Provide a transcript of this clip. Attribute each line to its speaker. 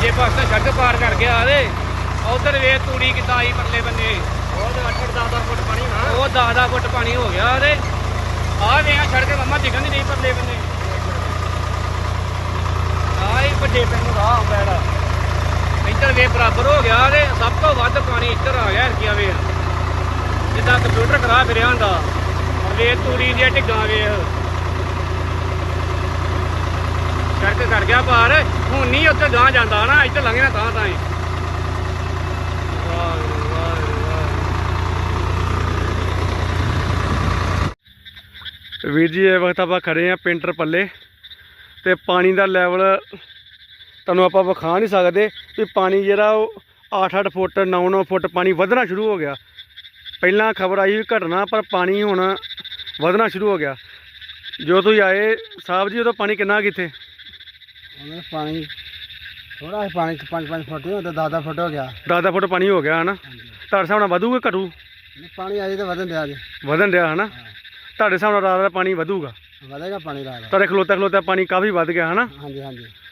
Speaker 1: ਦੂਜੇ ਪਾਸੇ ਸੜਕ ਪਾਰ ਕਰ ਗਿਆ ਤੇ ਉਧਰ ਵੇ ਤੂੜੀ ਕਿੱਦਾਂ ਆਈ ਪਰਲੇ ਬੰਨੇ।
Speaker 2: ਉਹ 8-10 ਫੁੱਟ ਪਾਣੀ ਨਾ,
Speaker 1: ਉਹ 10 ਫੁੱਟ ਪਾਣੀ ਹੋ ਗਿਆ ਤੇ ਆਹ ਵੇ ਸੜਕ ਮੰਮਾ ਦਿਖਣ ਨਹੀਂ ਪਰਲੇ ਬੰਨੇ। ਆਹ ਹੀ ਵੱਡੇ ਪਿੰਡ ਨੂੰ ਰਾਹ ਆਉਂਦਾ ਇਹਦਾ, ਇੱਧਰ ਵੇ ਬਰਾਬਰ ਹੋ ਗਿਆ ਤੇ ਸਭ ਤੋਂ ਵੱਧ ਪਾਣੀ ਇੱਧਰ ਆ ਗਿਆ ਹਰਕੀਆਂ ਵੇ, ਜਿੱਦਾਂ ਕੰਪਿਊਟਰ ਕਰਾ ਫਿਰਿਆ ਹੁੰਦਾ। ਵੇ ਤੂੜੀ ਦੀਆਂ ਢਿੱਗਾਂ ਵੇਖ, ਸੜਕ ਕਰ ਗਿਆ ਪਾਰ। ਹੁਣ ਨਹੀਂ ਉੱਥੇ ਗਾਂ ਜਾਂਦਾ ਨਾ, ਇੱਧਰ ਲੰਘਣਾ ਤਾਂ ਹੀ। ਵੀਰ ਜੀ ਇਹ ਵਕਤ ਆਪਾਂ ਖੜੇ ਆ ਪਿੰਟਰ ਪੱਲੇ ਤੇ ਪਾਣੀ ਦਾ ਲੈਵਲ ਤੁਹਾਨੂੰ ਆਪਾਂ ਵਿਖਾ ਨਹੀਂ ਸਕਦੇ ਵੀ ਪਾਣੀ ਜਿਹੜਾ ਉਹ 8-8 ਫੁੱਟ 9-9 ਫੁੱਟ ਪਾਣੀ ਵਧਣਾ ਸ਼ੁਰੂ ਹੋ ਗਿਆ। ਪਹਿਲਾਂ ਖਬਰ ਆਈ ਵੀ ਘਟਣਾ, ਪਰ ਪਾਣੀ ਹੁਣ ਵਧਣਾ ਸ਼ੁਰੂ ਹੋ ਗਿਆ। ਜੋ ਤੁਸੀਂ ਆਏ ਸਾਹਿਬ ਜੀ ਉਦੋਂ ਪਾਣੀ ਕਿੰਨਾ ਕਿੱਥੇ?
Speaker 2: ਪਾਣੀ ਥੋੜਾ ਜਿਹਾ ਪਾਣੀ 5-5 ਫੁੱਟ ਨਹੀਂ ਹੁੰਦਾ, 10 ਫੁੱਟ ਹੋ ਗਿਆ।
Speaker 1: 10 ਫੁੱਟ ਪਾਣੀ ਹੋ ਗਿਆ ਹਨਾ। ਤੁਹਾਡੇ ਹਿਸਾਬ ਨਾਲ ਵਧੂਗਾ ਘਟੂ?
Speaker 2: ਪਾਣੀ ਅਜੇ ਤਾਂ ਵਧਣ ਡਿਆ ਜੀ,
Speaker 1: ਵਧਣ ਡਿਆ ਹਨਾ। ਤੁਹਾਡੇ ਹਿਸਾਬ ਨਾਲ ਰਾਤ ਦਾ ਪਾਣੀ ਵਧੂਗਾ?
Speaker 2: ਵਧੇਗਾ ਪਾਣੀ ਰਾਤ।
Speaker 1: ਤੁਹਾਡੇ ਖਲੋਤਾ ਪਾਣੀ ਕਾਫੀ ਵੱਧ ਗਿਆ ਹਨਾ।
Speaker 2: ਹਾਂਜੀ ਹਾਂਜੀ।